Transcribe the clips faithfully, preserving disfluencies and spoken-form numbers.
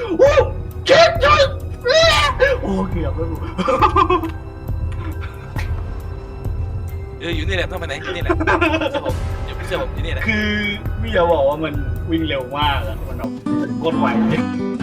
โอ้เจ็บจังโอ้เกือบแล้วกูเอออยู่นี่แหละต้องไปไหนอยู่นี่แหละเชื่อผมอยู่เชื่อผมอยู่นี่แหละคือพี่จะบอกว่ามันวิ่งเร็วมากอะมันแบบโคตรไวเลย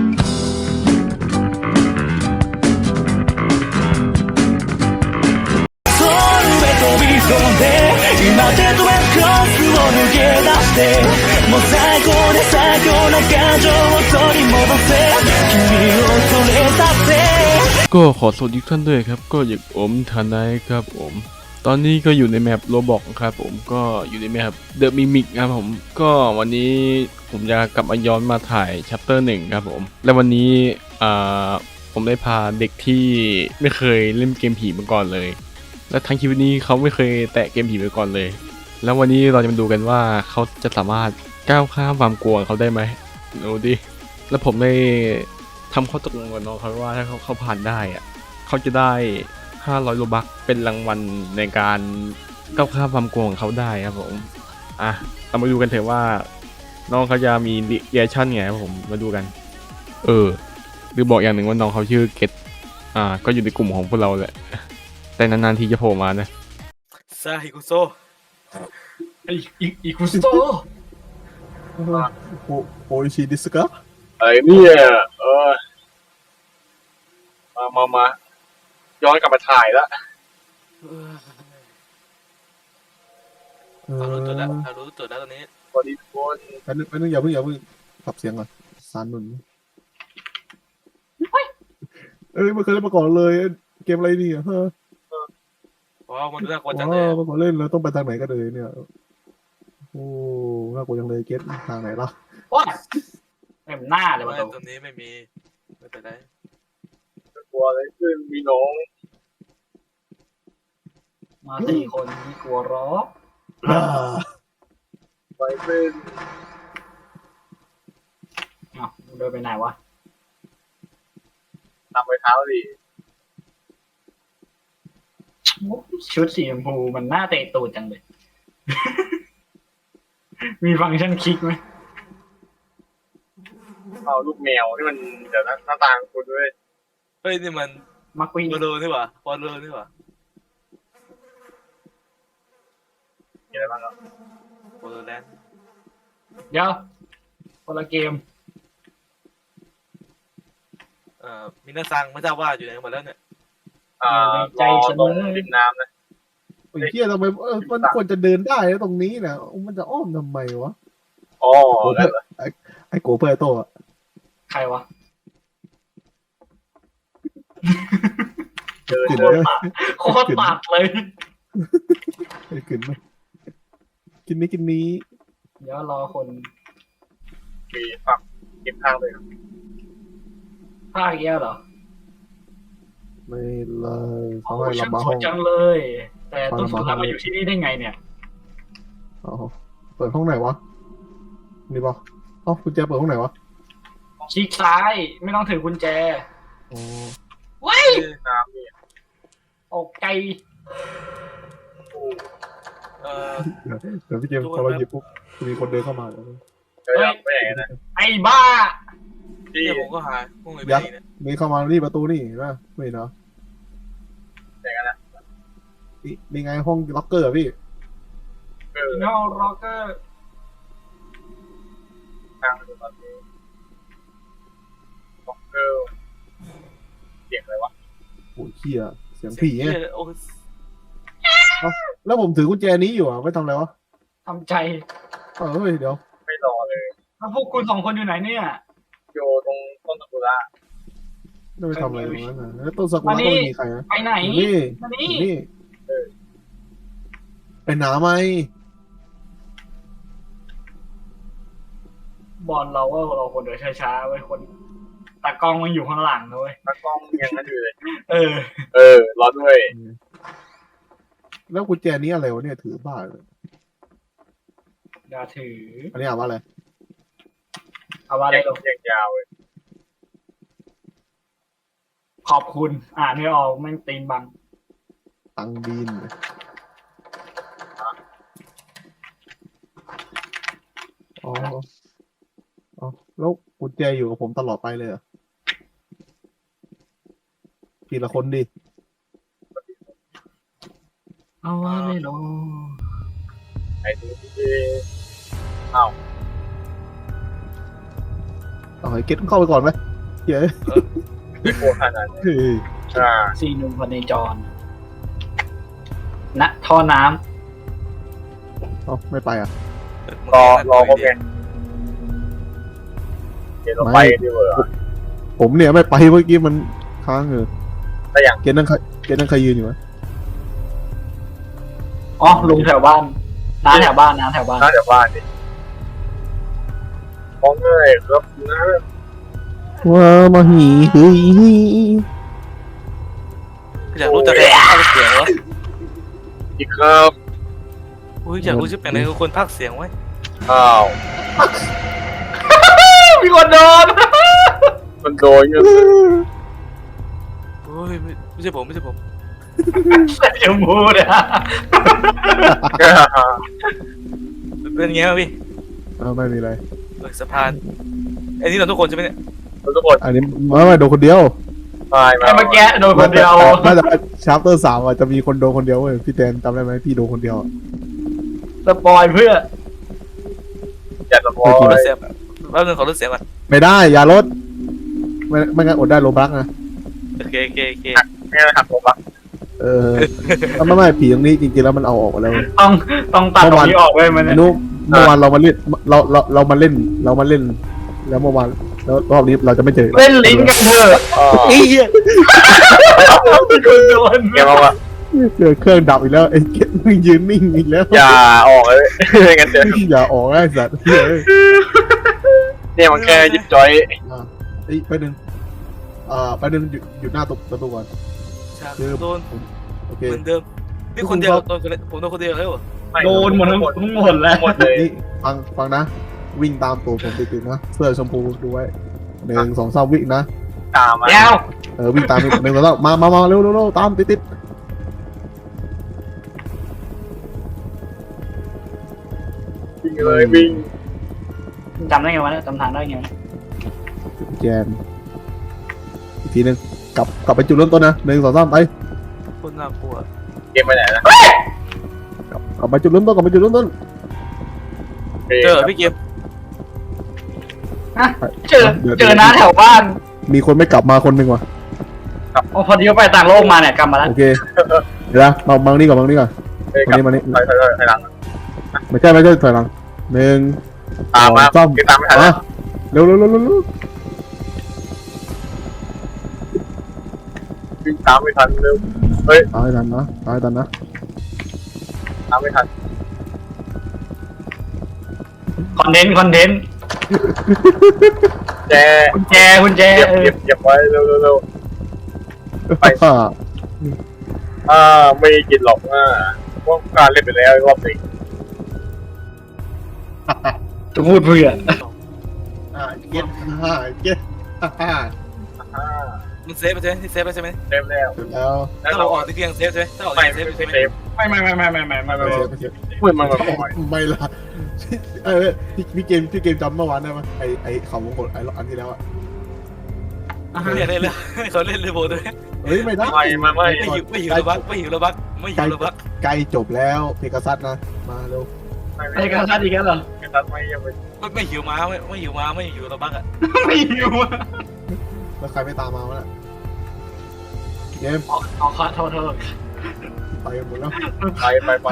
飛び込んで今デッドエンドクロスを抜け出してもう最高で最強な感情を取り戻せ君をそれさせก็ขอสวัสดีทุกท่านด้วยครับก็อยู่ผมทนายครับผมตอนนี้ก็อยู่ในแมปโรบอกครับผมก็อยู่ในแมปเดอะมิมิกครับผมก็วันนี้ผมจะกลับมาย้อนมาถ่ายชัปเตอร์หนึ่งครับผมและวันนี้อ่าผมได้พาเด็กที่ไม่เคยเล่นเกมผีมาก่อนเลยและทั้งชีวิตนี้เขาไม่เคยแตะเกมผีมาก่อนเลยแล้ววันนี้เราจะมาดูกันว่าเขาจะสามารถก้าวข้ามความกลัวเขาได้ไหมดูดิแล้วผมได้ทำข้อตกลงกับน้องเขาว่าถ้าเขาเขาผ่านได้อะเขาจะได้ห้าร้อยโลบัคเป็นรางวัลในการก้าวข้ามความกลัวของเขาได้ครับผมอ่ะเรามาดูกันเถอะว่าน้องเขาจะมีเรีแอคชั่นไงครับผมมาดูกันเออหรือบอกอย่างหนึ่งว่าน้องเขาชื่อเกตอ่าก็อยู่ในกลุ่มของพวกเราแหละแต่นานๆทีจะโผล่มานะซาฮิกุโซไอ้อีอีคุสโตโอโออิชิดิสกะไอ้เนี่ยเออมามามาย้อนกลับมาถ่ายแล้วเรารู้ตัวแล้วเรารู้ตัวแล้วตอนนี้สวัสดีทุกคนแป๊บนึงแป๊บนึงอย่าเพิ่งอย่าเพิ่งปรับเสียงก่อนซานนุนเอ้ยไม่เคยเล่นมาก่อนเลยเกมอะไรนี่อ่ะฮะว้าวมันน่ากลัวจังว้าเลยวมาก่อนเล่นแล้วต้องไปทางไหนกันเลยเนี่ยโอ้น่ากลัวจังเลยเกตทางไหนล่ะว้าเต็มหน้าเลยไม่วะตรงนี้ไม่มีไม่เป็นไรกลัวอะไรขึ้นมีน้องมาสี่คนมีกลัวร้ออ่าไปเป็นอ้าวเดินไปไหนวะตามไปเท้าดิชุดสีชมพูมันหน้าเตะตูดจังเลย มีฟังก์ชันคลิกไหมเอาลูกแมวที่มันเดี๋ยวนะหน้าตาของคุณด้วยเฮ้ยนี่มันมักวิ่งวอลเลอร์นี่หว่าบอลเลอร์นี่หว่ามีอะไรบ้างครับวอลเลอร์แลนด์เดี๋ยวคนละเกมเอ่อมินาซังไม่ทราบว่าอยู่ไหนกันหมดแล้วเนี่ยอ่ารอตรงริมน้ำนะไอ้เหี้ยทำไมเออมันควรจะเดินได้นะตรงนี้นะมันจะอ้อมทำไมวะอ๋อแล้วเหรอไอ้โกเปอร์โตอะใครวะเดินกลิ่นเดินไหมโคตรตัดเลยไอ้กลิ่นไหมกินนี้กินนี้เดี๋ยวรอคนมีฝักเก็บข้างเลยครับภาคเยอะเหรอไม่เลยโอ้เขาให้ช่างเรามาสห้วอย งจังเลย แต่ต้นสุดท้ายมาอยู่ที่นี่ได้ไงเนี่ยอ๋อเปิดห้องไหนวะนี่ปะอ๋อกุญแจเปิดห้องไหนวะคลิกซ้ายไม่ต้องถือกุญแจอ๋อเว้ยน้ำนี่ออกไกลเอ่อเดี๋ยวพี่เกมพอเราหยิบปุ๊บจะมีคนเดินเข้ามาแล้วเดินไปไหนนะไอ้บ้าที่เนี่ยผมก็หาพวกมึงไปยักษ์นี่เนี่ยนี่เข้ามานี่ประตูนี่นะไม่เนาะไหนกันนะนี่นี่ไงห้องล็อกเกอร์อะพี่เออโนร็อกเกอร์ทางตอนนี้บ็อกเกอร์เสียงอะไรวะโอ้ยเขี้ยเสียงผีไงเหี้ยโอ้ยแล้วผมถือกุญแจนี้อยู่อ่ะไม่ทำอะไรวะทำใจเออเฮ้ยเดี๋ยวไม่รอเลยแล้วพวกคุณสองคนอยู่ไหนเนี่ยโยตรงต้นตะกุระไม่ไปทำอะไรตรงนั้นนะแล้วต้นสักุระก็ไม่มีใครนะไปไหนอยู่นี่มาอนี่ยู่นี่ไปหนาไหมบอลเราว่าเราคนเดินช้าๆไว้คนตากล้องมันอยู่ข้างหลังนะเว้ยตากล้องยังนั่นอยู่เลยเออเออรอด้วยแล้วกุญแจนี้อะไรวะเนี่ยถือบ้าเลยอย่าถืออันนี้อ่านว่าอะไรเอาว่าอะไรยังลงยังยาวเลยขอบคุณ อ่านไม่ออกแม่งตีนบังตังบินอ๋ออ๋อแล้วกุญแจอยู่กับผมตลอดไปเลยเหรอทีละคนดิเอาว่าไม่รู้ไอ้ที่อ้าวเอาไอ้เก็ตเข้าไปก่อนไหมเย้ยไม่โกรธขนาดนั้นเฮ้ยอ่าสี่หนุ่มพเนจรณท่อน้เอาไม่ไปอ่ะรอรอพวกแกเดี๋ยวเราไปดีกว่าผมเนี่ยไม่ไปเมื่อกี้มันค้างอยู่แต่อย่างเกตนั่งใครเกตนั่งใครยืนอยู่วะำอ๋อลุงแถวบ้านน้าแถวบ้านน้าแถวบ้านน่าจะบ้านดิมองเลยครับนะว้ามาหีเฮ้ยอยากรู้จักคนภาคเสียงวะอีกครับอุ้ยอยากรู้ชื่อแปลงไหนคือคนภาคเสียงไว้อ้าวมีคนโดนมันโดนเงี้ยโอ้ยไม่ไม่ใช่ผมไม่ใช่ผมใส่จมูกเนี่ยเป็นไงวะพี่เอาไม่มีอะไรเออสะพานไอ้นี่เราทุกคนใช่ไหมเนี่ยทุกคนอันนี้ไม่ไม่โดนคนเดียวตายมาไอ้เมื่อกี้โดนคนเดียวน่าจะชาร์เตอร์สามอ่ะจะมีคนโดนคนเดียวเว้ยพี่แทนจำได้ไหมพี่โดนคนเดียวอะสปอยเพื่ออย่าสปอขอรยถเสียงแป๊บนึงขอรถเสียงก่อนไม่ได้อย่าลดไม่ไม่งั้นอดได้โลบักนะโอเคโอเคโอเคไม่งั้นหักผมปะเออไม่ไม่ผีตรงนี้จริงๆแล้วมันเอาออกมาแล้วต้องต้องตัดตรงนี้ออกไว้มันไอ้นุ๊กเมื่อวานเรามาเล่นเราเราเรามาเล่นเรามาเล่น แล้วเมื่อวานแล้วรอบนี้เราจะไม่เจอเล่นลิ้นกันเถอะอ๋ออีเหี้ยมีคนโดนแกบอกว่าเจอเครื่องดับอีกแล้วไอ้เก็ตมึงยืนนิ่งอีกแล้วอย่าออกเลยไม่งั้นเดี๋ยวอย่าออกไอ้สัตว์เฮ้ยเนี่ยมันแค่ยิบจอยอ่ะเอ้ยไปหนึ่งอ่าไปหนึ่งหยุดหยุดหน้าตประตูก่อนฉากคือโดนโอเคเหมือนเดิมนี่คนเดียวโดนคนเดียวผมโดนคนเดียวแล้วเหรอโดนหมดทั้งทั้งหมดแล้วหมดเลยนี่ฟังฟังนะ วิ่งตามตัวผมติดๆนะเสื้อชมพูดูไว้หนึ่งสองสามวิ่งนะตามมาแก้วเออวิ่งตามหนึ่งสองสามมามามาเร็วเร็วเร็วตามติดติดๆวิ่งเลยวิ่งจำได้ไงวะเนี่ยจำทางได้ไงวะแจนอีกทีหนึ่งกลับกลับไปจุดเริ่มต้นนะหนึ่งสองสามไปคนน่ากลัวเกมไปไหนนะกลับกลับไปจุดเริ่มต้นกลับไปจุดเริ่มต้นเจอพี่เกมเจอเจอน้าแถวบ้านมีคนไม่กลับมาคนหนึ่งว่ะโอ้พอดีว่าไปต่างโลกมาเนี่ยกลับมาแล้วโอเคเดี๋ยวนะมามานี่ก่อนมานี่ก่อนเฮ้ยมากลับนี่มานี่ถอยถอยถอยถอยหลังไม่ใช่ไม่ใช่ถอยหลังหนึ่งตามมาสองเกมตามไม่ทันมาเร็วเร็วเร็วเร็วเร็ววิ่งตามไม่ทันเร็วตายทันนะตายทันนะตามไม่ทันคอนเทนต์คอนเทนต์แจกุญแจกุญแจเก็บเออเก็บเก็บไว้เร็วเร็วเร็ว ไปอ่าอ่าไม่กินหรอกอ่าพวกการเล่นไปแล้วรอบหนึ่งจะพูดเพื่ออ่าเก็ตอ่าเก็ตอ่าอ่ามันเซฟไปใช่ไหมที่เซฟไปใช่ไหมเต็มแล้วเสร็จแล้วแล้วถ้าเราเราออกที่เพียงเซฟใช่ไหมถ้าออกไม่ที่ไม่เซฟไม่ใช่ไหมเซฟไม่ไม่ไม่ไม่ไม่ไม่ไม่ไม่ไม่ไม่ไม่เสียไม่เสียเหมือนมันแบบไม่ละเออพี่พี่เกมพี่เกมจำเมื่อวานได้ไหมไอไอเขาวงกดไออันที่แล้วอะไม่อยากเล่นเลยเขาเล่นเลยโบด้วยเฮ้ยไม่ได้ไม่ไม่ไม่ไม่หิวไม่หิวระบักไม่หิวระบักไม่หิวระบักใกล้จบแล้วเพกาซัสนะมาเร็วไม่ไอ้กระทัดอีกแล้วเหรอไม่ทันไม่ยังไม่ไม่ไม่หิวม้าไม่ไม่หิวม้าไม่หิวระบักอ่ะไม่หิวอะแล้วใครไม่ตามมาวะน่ะเกมอ๋ออ๋อขอโทษโทษไปกันหมดแล้วไปไปไป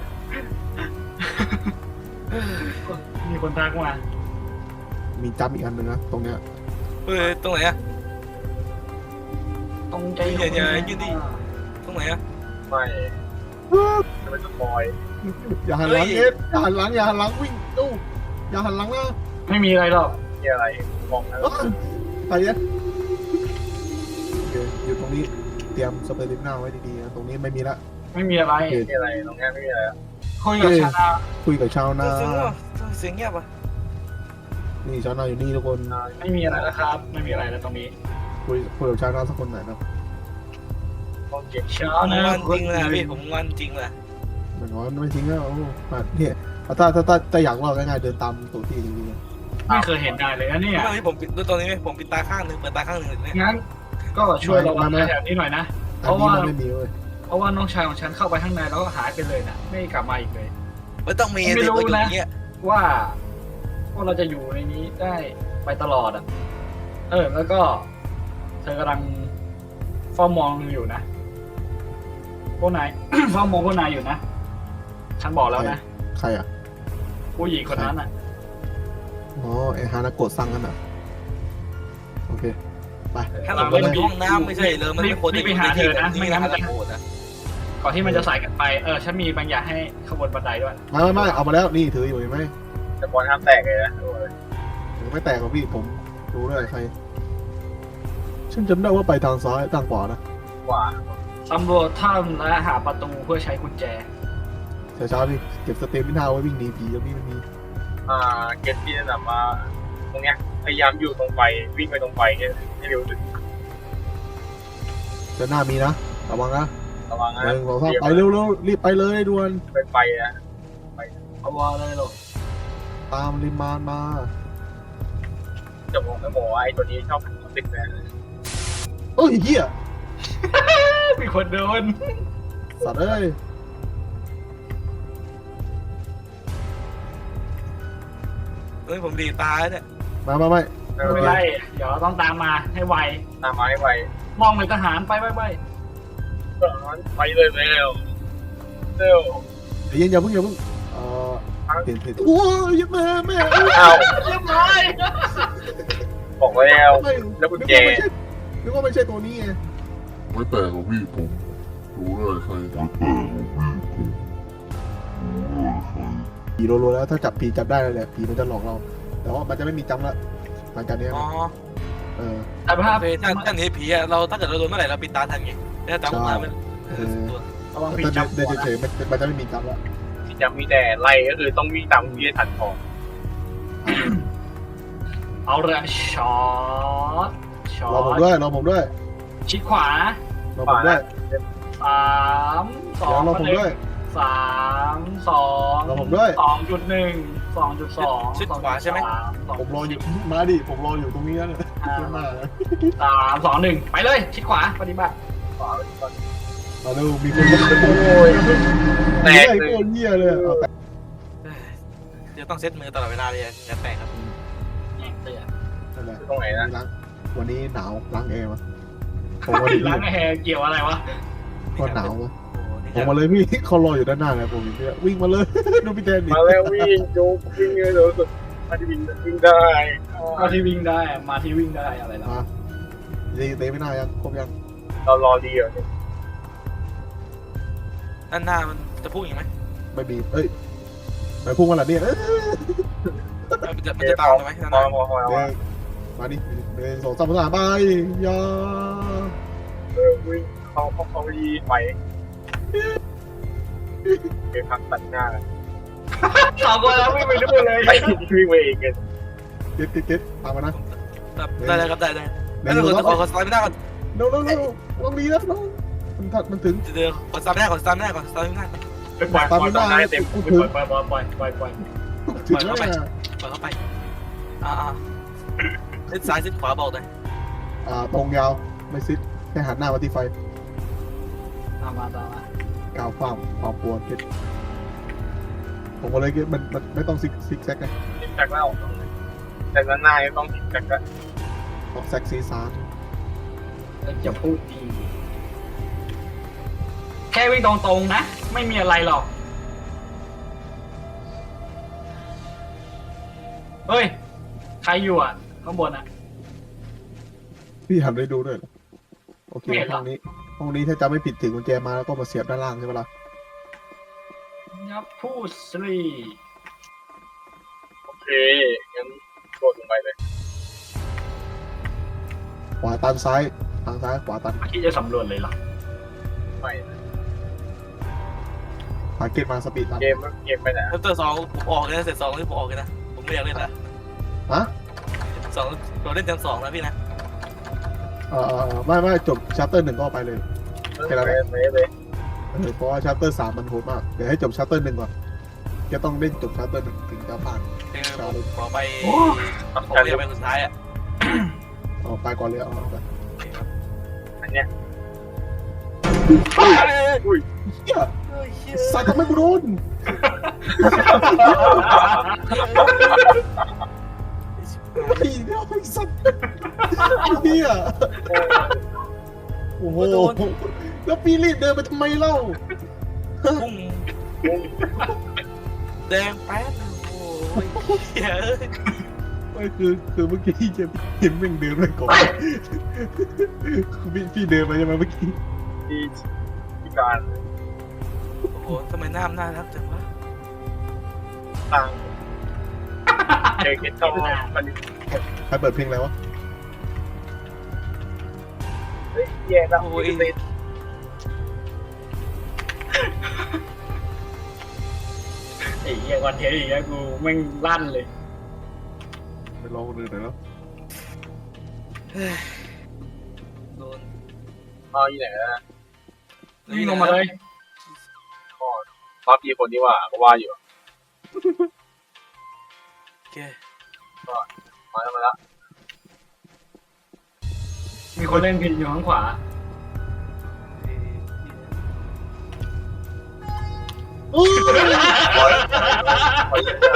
มีคนทักมามีจำอีกอันหนึ่งนะตรงเนี้ยเฮ้ยตรงไหนอ่ะตรงใจอย่าอย่ายืนดิ ตรงไหนอ่ะไม่จะเป็นสปอยอย่าหันหลังเฮ้ยเอ็ดอย่าหันหลังอย่าหันหลังวิ่งตู้อย่าหันหลังนะไม่มีอะไรหรอกนี่อะไรมองนะอ้าวไปเนี่ยโอเคอยู่ตรงนี้เตรียมสเปรย์ลิปหน้าไว้ดีๆนะตรงนี้ไม่มีละไม่มีอะไรนี่อะไรตรงนี้ไม่มีอะไรคุยกับชาดาคุยกับชาวนาเสียงอ่ะเสียงเงียบอ่ะนี่ชาวนาอยู่นี่ทุกคนไม่มีอะไรแล้วครับ ไม่มีอะไรแล้วตรงนี้คุยคุยกับชาวนาสักคนหน่อยนะต้องเก็บชาผมดางอนจริงเลยพี่ผมงอนจริงเลยเหมือนว่าไม่ทิ้งแล้วโอ้อ่ะเนี่ยถ้าถ้าถ้าถ้าอยากรอดง่ายๆเดินตามตัวที่จริงๆไม่เคยเห็นได้เลยนะเนี่ยไม่ผมปิดดูตอนนี้ไหมผมปิดตาข้างหนึ่งเปิดตาข้างหนึ่งเลยงั้นก็ช่วยระวังแถวนี้หน่อยนะอันนี้มันไม่มีเว้ยเพราะว่าน้องชายของฉันเข้าไปข้างในแล้วก็หายไปเลยนะไม่กลับมาอีกเลยไม่ต้องมีไม่สิรู้ก็อยู่นะอย่างเงี้ยว่าว่าเราจะอยู่ในนี้ได้ไปตลอดอ่ะ เออ แล้วก็เธอกำลังเฝ้ามองอยู่นะพวกนาย เฝ้ามองพวกนายอยู่นะฉันบอกแล้วนะใครอ่ะผู้หญิงคนนั้นอ่ะอ๋อไอฮานาโกะสั่งกันอ่ะโอเคไปถ้าเราไปอยู่ห้องน้ำไม่ใช่เลยมันไม่ควรรีจะบไปหาเธอนะนี่ไม่นะงั้นคมันรับจะโอ้นะก่อนที่มันจะสายกันไปเออฉันมีบางอย่างให้ขบวนบันไดด้วยไม่ไม่ไม่เอามาแล้วนี่ถืออยู่เห็นไหมแต่บอลห้ามแตกเลยนะโอ้ยถือไม่แตกหรอกพี่ผมรู้เลยใครฉันจำได้ว่าไปทางซ้ายทางขวานะกว่าตำรวจถ้ำและหาประตูเพื่อใช้กุญแจเช้าๆพี่เก็บสเตมิน่าไว้วิ่งหนีผีตรงนี้มันมีอ่าเกตที่แนะนำมาตรงเนี้ยพยายามอยู่ตรงไฟวิ่งไปตรงไฟเนี่ยให้เร็วสุดเดินหน้ามีนะระวังนะระวังนะหนึ่งสองสามไปเร็วๆรีบไปเลยด่วนไปไฟนะเอาว่าเลยหรอตามริมานมาจะมองไม่บอกว่าไอ้ตัวนี้ชอบติดนะเอ้ยเหี้ยมีคนโดนสัตว์เอ้ยเฮ้ยผมดีตายเนี่ยมามาไม่ไม่ไม่เป็เป็น นไรไรเดี๋ยวเราต้องตามมาให้ไวตามมาให้ไวมองเหมือนทหารไปไปไปไปเลยเร็วเร็วเดี๋ยวเย็นอย่าเพิ่งอย่าเพิ่งเอ่อเห็นเห็นโอ้ยแม่แม่อ้าวเรียบร้อยบอกแล้วไม่แล้วกุญแจนึกว่าไม่ใช่ตัวนี้ไงไม่แปลกหรอกพี่ผมรู้เลยใครไม่แปลกหรอกพี่ผมรู้เลยใครผีโลๆแล้วถ้าจับผีจับได้แล้วแหละผีมันจะหลอกเรา แต่ว่ามันจะไม่มีจำละหลังจากนี้อ๋อเออแต่ภาพโอเคถ้าถ้าหนีผีอะเราถ้าเกิดเราโดนเมื่อไหร่เราปิดตาทันไงถ้าตามมามันเออระวังแต่ผีถ้าจับเดินเฉยๆมันมันจะไม่มีจำละที่จะมีแต่ไล่ก็คือต้องวิ่งตามที่ทันของเอาเลยช็อตช็อรอผมตด้วยรอผมด้วยชิดขวารอผมด้วยสามสอเดี๋ยงวรอผมด้วยสามสองรอผมด้วยสองจุดหนึ่งสองจุดสองผมรออยู่มาดิผมรออยู่ตรงนี้แล้วเนี่ยเยี่ยมมากเลยสามสองหนึ่งไปเลยชิดขวาปฏิบัติมาดูมีคนโอ้ยแตกไอ้เลยโคตรเหี้ยเลยเอาแตกเดี๋ยวต้องเซ็ตมือตลอดเวลาเลยอย่าแตกครับแง่เตือนนั่นแหละตรงไหนนะล้างวันนี้หนาวล้างแอร์มาผมวันนี้ล้างแฮร์เกี่ยวอะไรวะก็หนาวมาโอ้นี่ผมมาเลยพี่เขารออยู่ด้านหน้าเลยผมเนี่ยวิ่งมาเลย ดูพี่แดนดิมาแล้ววิ่งจุกวิ่งเลยเร็วสุดมาที่วิ่งวิ่งได้มาที่วิ่งได้อะมาที่วิ่งได้อะไรล่ะมาดีเตะไม่น่ายังครบยังเรารอดีเหรอด้านหน้ามันจะพุ่งอีกไหมไม่มีเอ้ยไปพุ่งมาละเนี่ยเอ้ยมันจะมันจะตามไหมด้านหพอน้าพอพอเดินมาดิเดินสองสามสามไปอยาเออวิ่งเขาเขาเขาดีไปเก็บพักตัดหน้าสองคนแล้ววิ่งไปดูเลยไปวิ่งไปเองกันเก็ตเก็ตเก็ตตามมานะได้เลยครับได้ได้เดิแล้วนเราสองขอสามขอสไลด์ไม่ได้ก่อนเร็วเร็วเร็วลองดีนะน้องมันถัดมันถึงเดี๋ยวขอสไลด์ไม่ได้ก่อนสไลด์ไม่ได้ก่อนสไลด์ไม่ได้ไปปล่อยปล่อยปล่อยเต็มปล่อยปล่อยปล่อยปล่อยปล่อยปล่อยถึงแล้วเนี่ยเปิดเข้าไปอ่าเส้นซ้ายเส้นขวาบอกเลยอ่าตรงยาวไม่ซิดแค่หันหน้ามาที่ไฟตามมาตามมากาวความความปวดเก็ตผมก็เลยเก็ตมันมันไม่ต้องซิกซิกแซกไงติดจากแล้วแต่ด้านหน้ายังต้องติดจากกันต้องแซกซีซาร์จะพูดดีแค่วิ่งตรงๆนะ ไม่มีอะไรหรอกเฮ้ยใครอยู่อ่ะข้างบนอ่ะพี่หันไปดูด้วยเหรอโอเคไม่เห็นหรห้อองนี้ห้องนี้ถ้าจำไม่ผิดถึงกุญแจมาแล้วก็มาเสียบด้านล่างใช่ไหมล่ะยับพูดสิโอเคงั้นโดดลงไปเลยขวาตันซ้ายทางซ้ายขวาตันเมื่อกี้จะสำรวจเลยเหรอไปขวาเก็ตมาสปีดตันเกมเกมไปไหนเริ่มต้นสองผมออกเลยนะเสร็จสองที่ผมออกเลยนะผมไม่อยากเล่นละฮะสองเราเล่นจังสองนะพี่นะเออเออเออไม่ไม่จบชัปเตอร์หนึ่งก็ไปเลยไปเลยไปเลยเออเพราะว่าชัปเตอร์สามมันโหดมากเดี๋ยวให้จบชัปเตอร์หนึ่งก่อนจะต้องเล่นจบชัปเตอร์หนึ่งถึงจะผ่านคือผมขอไปโอ้ผมไม่อยากไปสุดท้ายอ่ะเอาไปก่อนเลยเอาเอาไปโอเคครับเนี่ยเหี้ยสัตว์ทำไมกูโดนไอ้เหี้ยไอ้สัตว์ไอ้เหี้ยโอ้โหแล้วพี่รีบเดินไปทำไมเล่าพุ่งแดงแป๊ดโอ้ยเหี้ยเอ้ยไม่คือคือเมื่อกี้จะเห็นมึงเดินไปก่อนพี่พี่เดินไปใช่ไหมเมื่อกี้ที่ที่การโอ้โหทำไมหน้ามน่ารักจังวะทางเจอคิดเข้ามันใครเปิดเพลงอะไรวะเฮ้ยแย่แล้วโอ้ยติดไอ้เหี้ยคอนเทนต์อีกแล้วกูแม่งลั่นเลยไปลองคนอื่นหน่อยแล้วโดนเอาอยู่ไหนนะวิ่งลงมาเลยรอบที่คนที่ว่าก็ว่าอยู่โอเคมาแล้วมาแล้วมีคนเล่นพินอยู่ข้างขวาโอ้ยปล่อยปล่อยยาว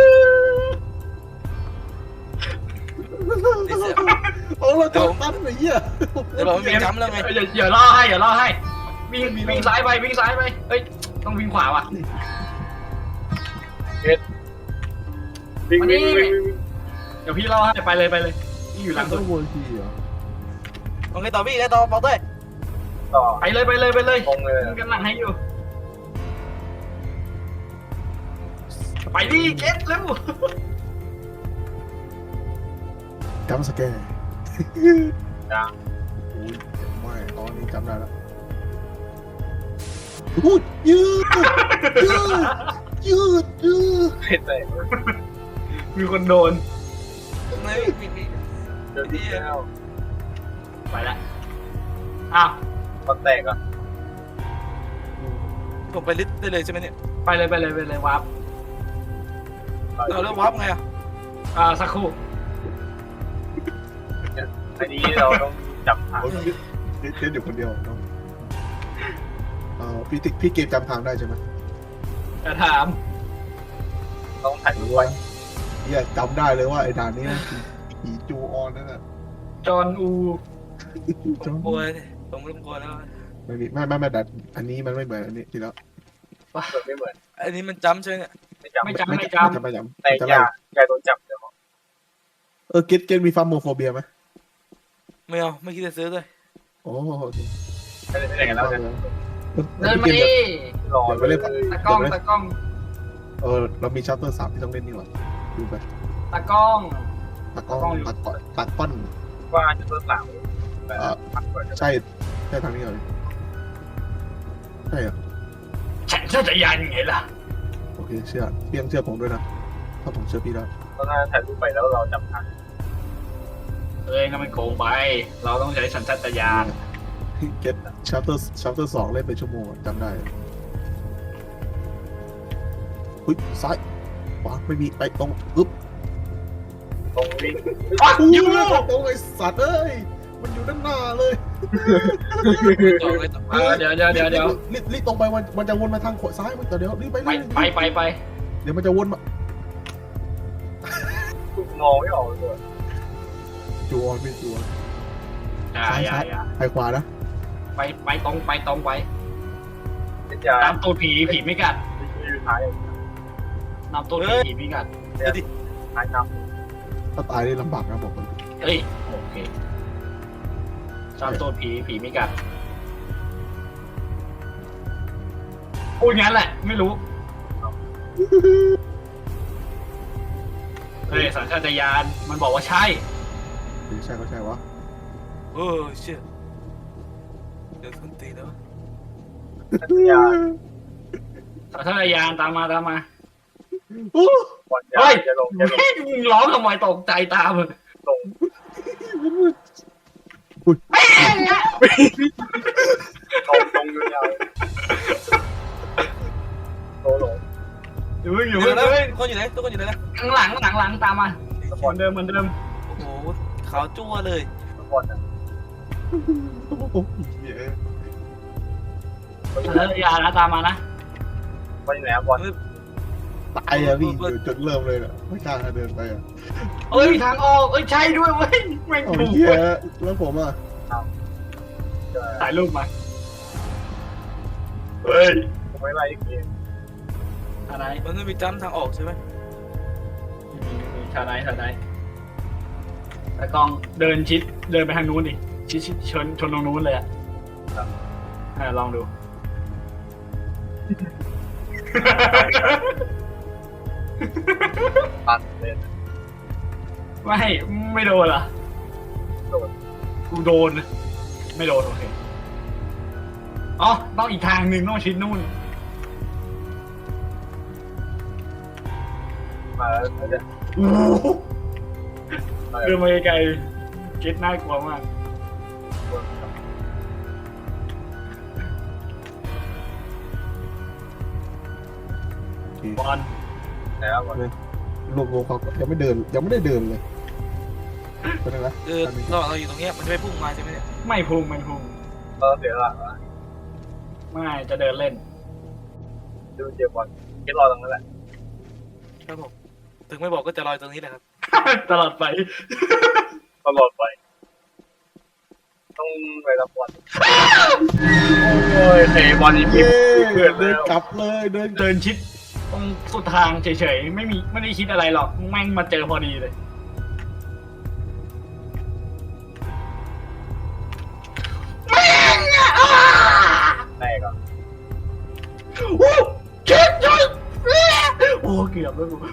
นี่เสียเอาเราจับตั้นไอ้เหี้ยเดี๋ยวบอกว่ามีจำแล้วไงเดี๋ยวเดี๋ยวล่อให้เดี๋ยวล่อให้วิ่งวิ่งซ้ายไปวิ่งซ้ายไปเฮ้ยต้องวิ่งขวาว่ะวิ่งมาวิ่นี่งวิ่งวิ่งเดี๋ยวพี่ล่อให้ไปเลยไปเลยพี่อยู่หลังต้สุองดวนทีเหรอโอเคต่อพี่แล้วต่อบอกด้วยต่อไปเลยไปเลยไปเลยตรงเลยมันกำลังให้อยู่ไปดิเก็ตเร็วจำสแกนจ้าโอ้ยไม่ตอนนี้จำได้แล้วพูดยืดยืดยืดยืดเห็นเลยมีคนโดนไม่พี่พี่เดี๋ยวที่แล้วไปละอ้าวมันแตกอ่ะผมไปลิสต์ได้เลยใช่ไหมเนี่ยไปเลยไปเลยไปเลยวับเราเริ่มวับไงอ่ะอ่าสักครู่อันนี้เราต้องจับทางโอ้ยเล่นอยู่คนเดียวน้องเอ่อพี่ติ๊กพี่เกมจำทางได้ใช่ไหมจะถามต้องถ่ายรูปรู้ไว้ว่าเฮียจำได้เลยว่าไอ้ด่านนี้ผีจูออนนั่นแหละจอห์นอูผมกลัวเลยผมเริ่มกลัวแล้วไม่มีไม่ไม่ไม่แต่อันนี้มันไม่เหมือนอันนี้ทีแล้วเปิดไม่เหมือนอันนี้มันจำใช่ไหมเนี่ยไม่จำไม่จำไม่ไม่จำจำไม่จำแต่จะอไล่ย่าอย่าโดนจับเดี๋ยวเออเกตเกตมีฟาร์มโมโฟเบียไหมไม่เอาไม่คิดจะซื้อเลยโอ้โหไม่ได้ไม่ได้กันแล้วกันเดินมาดิรอเดี๋ยวไปเลเล่ยนตะกล้องตะกล้องเออเรามีชัปเตอร์สามที่ต้องเล่นนี่หว่าดูไปตะกล้องตะกล้องตัดก้อนตัดก้อนว่าจะตัวสาวแต่พักก่อนใช่ใช่ทางนี้เลยใช่เหรอฉันจะจะยันไงล่ะโอเคเชื่อพี่ยังเชื่อผมด้วยนะถ้าผมเชื่อพี่แล้วตอนนั้นถ่ายรูปไปแล้วเราจับทางเอ้ยนั่นมันโกงไป เราต้องใช้สัญชาตญาณเกตชัปเตอร์ชัปเตอร์สองเล่นเป็นชั่วโมงอะจำได้หุ้ยซ้ายขวาไม่มีไปตรงอึ๊บตรงวิ่งฟักอู้ยูตรงไอ้สัตว์เอ้ยมันอยู่ด้านหน้าเลยต่อเลยต่อเออเดี๋ยวเดี๋ยวเดี๋ยวเดี๋ยวรีบรีบตรงไปมันมันจะวนมาทางขวาซ้ายมันแต่เดี๋ยวรีบไปไปรีบไปไปไปเดี๋ยวมันจะวนมามองไม่ออกเลยจูออนไม่จูออนอย่าอย่าอย่าไปขวานะไปไปตรงไปตรงไปเป็นยาตามตูดผีผีไม่กัดอยู่ท้ายนำตูดผีผีไม่กัดท้ายนถ้าตายนี่ลำบากนะบอกเลยเฮ้ยโอเคตามตูดผีผีไม่กัดพูดงั้นแหละ ไม่รู้เฮ้ยสัญชาตญาณมันบอกว่าใช่หรือใช่ก็ใช่วะเออเชี่ยเดี๋ยวส้นตีนแล้วำยาสัญชาตญาณตามมาตามมาโอ้ก่อนยาจะลงจะลงเฮ้ยมึงร้องทำไมตกใจตามมึงลงแม่งอะลงลงยาวโตลงอยู่เพิ่งออยู่ ยู่เพิ่งแล้วเพิ่งคนอยู่ไหนทุกคนอยู่ไหนนะข้างหลังหลังหลังตามมาสเหปอมือน นเดิมเหมือนเดิมโอ้โหขาวจั่วเลยสปอนอ่ะเหี้ยแล้วอย่านะตามมานะไปไหนอะบอลตายอะพี่เดี๋ยวจุดเริ่มเลยอะไม่กล้าเดินไปอะเอ้ยทางออกเอ้ยใช่ด้วยเว้ยแม่งโอ้ถูกเหี้ยเว้ยแล้วผมอะถ่ายรูปมาเฮ้ยผมไม่ไล่อีกทีอะไรมันไม่มีจ้ำทางออกใช่ไหมถ่ายไหนถ่ายไหนแต่กล้องเดินชิดเดินไปทางนู้นดิชิดชิดชนชนตรงนู้นเลยอะอ่าลองดูตัดเลยไม่ไม่โดนเหรอกูโดน ไม่โดนโอเคอ๋อต้องอีกทางหนึ่งต้องชิดนู่นมาแล้วเนี่ยโอ้โหเดินมาไกลๆเก็ตน่ากลัวมากบอลไหนอะบอลรวมรวมเขายังไม่เดินยังไม่ได้เดินเลยเป็นไงนะเออเราเราอยู่ตรงเนี้ยมันจะไม่พุ่งมาใช่ไหมเนี่ยไม่พุ่งไม่พุ่งเราเสียหลักละไม่จะเดินเล่นดูเจ็บบอลคิดรอตรงนั้นแหละครับผมถึงไม่บอกก็จะลอยตรงนี้แหละครับตลอดไปตลอดไปต้องไปรับบอลโอ้ยเตะบอลนี่พิเย้มเพื่อนเดิแล้นวกลับเลยเดินเดินชิดตรงสุดทางเฉยๆไม่มีไม่ได้คิดอะไรหรอกแม่งมาเจอพอดีเลยแตกอ่ะโอ้เจ็บจังโอ้เกือบแล้วกู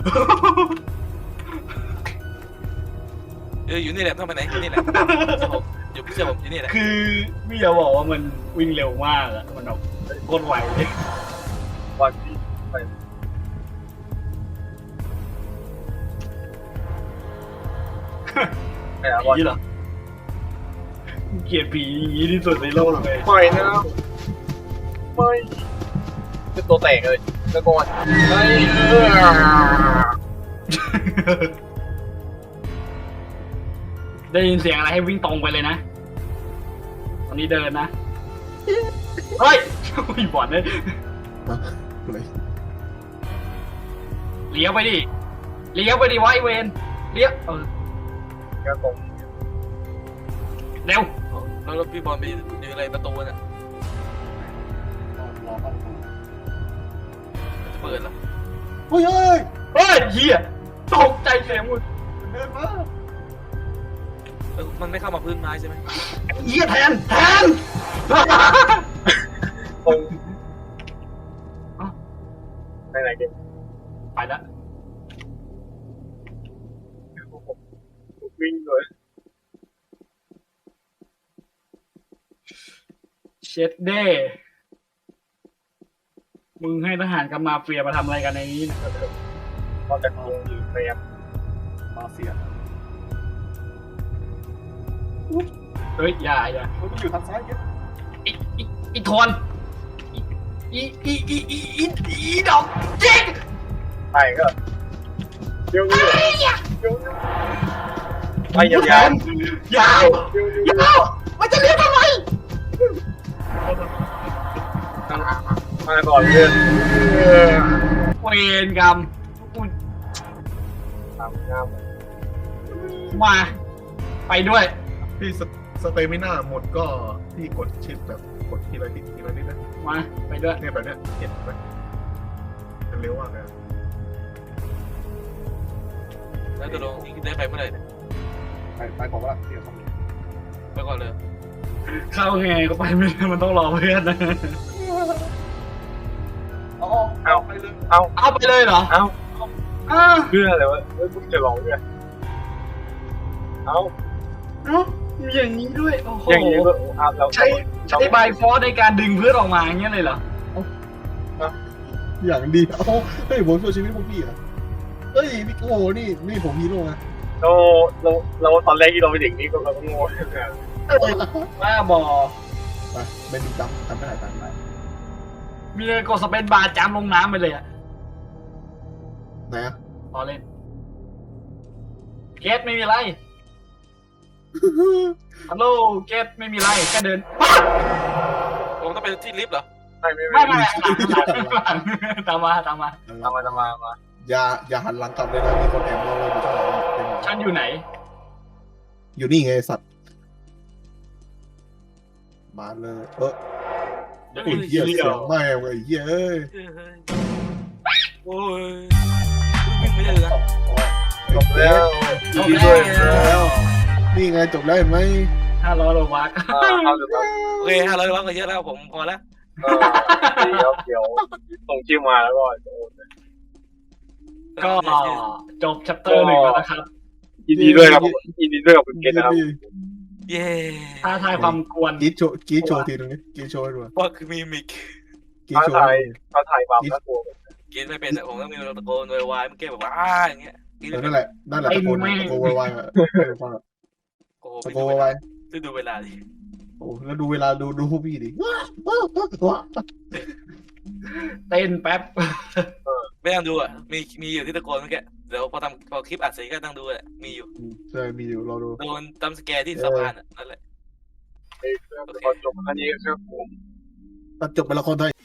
เอออยู่นี่แหละต้องไปไหนอยู่นี่แหละเชื่อผมอยู่เชื่อผมอยู่นี่แหละคือไม่อยากบอกว่ามันวิ่งเร็วมากอะมันแบบโคตรไวเลยบอลที่ไปไหนอะบอลผีเหรอเกลียดผีอย่างนี้ที่สุดในโลกเลยปล่อยนะไม่เป็นตัวแตกเลยตะโกนเฮ้ยเออได้ยินเสียงอะไรให้วิ่งตรงไปเลยนะตอนนี้เดินนะเฮ้ยอุ้ยบอลเลยเลยเลี้ยวไปดิเลี้ยวไปดิวะไอเวนเลี้ยวเออก็ตรงเร็วแล้วแล้วพี่บอลไปอยู่อะไรประตูน่ะรอเข้าประตูมันจะเปิดแล้วเฮ้ยเฮ้ยเฮ้ยเฮียตกใจเสียงมึงเดินมาเออมันไม่เข้ามาพื้นไม้ใช่ไหมเฮียแทนแทนตรงไหนไหนเกมไปแล้ววิ่งเลยเช็ดเด้มึงให้ทหารกับมาเฟียมาทำอะไรกันในนี้นะนอกจากวงอยู่เตรียมมาเฟียเฮ้ยอย่าอย่ามันอยู่ทางซ้ายเก็บอีอีอีทวนอีอีอีอีอีอีดอกจิกไปก็เดี๋ยวนี้เดี๋ยวนี้ไปยาวๆยาวยาวยาวมันจะเลี้ยวทำไมมาก่อนเพื่อนเวรกรรมกูตามงามมา ไปด้วยพี่สสเตมิน่าหมดก็พี่กดชิปแบบกดทีละนิดทีละนิดนะมา ไปด้วยเนี่ยแบบเนี้ยเห็นไหมมันเร็วมากเลยแล้วจะลงนี่ได้ไปเมื่อไหร่เนี่ยไปไปบอกว่าเดี๋ยวเขาไปก่อนเลยเข้าไงก็ไปไม่ได้มันต้องรอเพื่อนนะเอาเอาไปเลยเอาเอาไปเลยเหรอเอาอ้าวเพื่ออะไรวะเฮ้ยมึงจะลองด้วยเอาเอ้ามีอย่างนี้ด้วย โอ้โหอย่างนี้ก็เอาเราใช้ใช้บายฟอร์ในการดึงเพื่อนออกมาอย่างเงี้ยเลยเหรออย่างดีเอาเฮ้ยผมช่วยชีวิตพวกพี่อ่ะเฮ้ยนี่โอ้โหนี่นี่ผมฮีโร่นะเราเราเราตอนแรกที่เราไปถึงนี่ก็เราก็งงว่าบอไปเป็นจำจำไม่ได้จำไม่ได้มีเลยกดสเปนบาร์จามลงน้ำไปเลยอะไหนอะพอเล่นเกสไม่มีอะไรฮัลโหลเกตไม่มีไรแค่เดินผมต้องไปที่ลิฟต์เหรอไม่ไม่ไม่ไม่ไม่ตามมาตามมาตามมาตามมามาอย่าอย่าหันหลังกลับเลยนะมีคนแอบมองเราอยู่ข้างหลังเต็มฉันอยู่ไหนอยู่นี่ไงไอ้สัตว์มาเลยเออเดี๋ยวโอ้ยเหี้ยเสียงแม่งไอ้เหี้ยเอ้ยโอ้ยวิ่งไม่ได้เลยนะจบแล้วจบดีแล้ด้วยวนี่ไงจบแล้วเห็นไหมห้าร้อยโลวักอ่าเอาเดี๋ยวก่อนโอเคห้าร้อยร้อยก็เยอะแล้วผมพอแล้วเออเดี๋ยวเดี๋ยวส่งชื่อมาแล้วก็จะโอนเลยก็จบชัปเตอร์หนึ่งแล้วนะครับยินดีด้วยครับผมยินดีด้วยกับคุณเกตนะครับเย้ท้าทายความกวนกรีดโชว์กรีดโชว์ทีนึงนี่กรีดโชว์ให้ดูว่าคือมีมิกกรีดท้าโชว์ทายให้ดูท้าทายความน่ากลัวกินไม่เป็นแต่ผมต้องมีตะโกนโวยวายเมื่อกี้แบบว่าอ้าอย่างเงี้ยกินเอไม่อเป็นั่นนแหละนั่นแหละตะโกนตะโกนวายๆอ่ะเออฟังอ่ะโอ้โหตะโกนวายดูดูเวลาดิๆโอ้แล้วดูเวลาดูดูพวกพี่ดิว้าวว้าวว้าวเต้นแป๊บไม่ต้องดูอ่ะมีมีอยู่ที่ตะโกนเมื่อกี้เดี๋ยวพอทำพอคลิปอัดเสร็จก็ต้องดูแหละมีอยู่ใช่มีอยู่เราดูโดนตำสแกร์ที่สะพานอ่ะนั่นแหละเอ้ยพอจบอันนี้ครับผมตัดจบเป็นละครไทย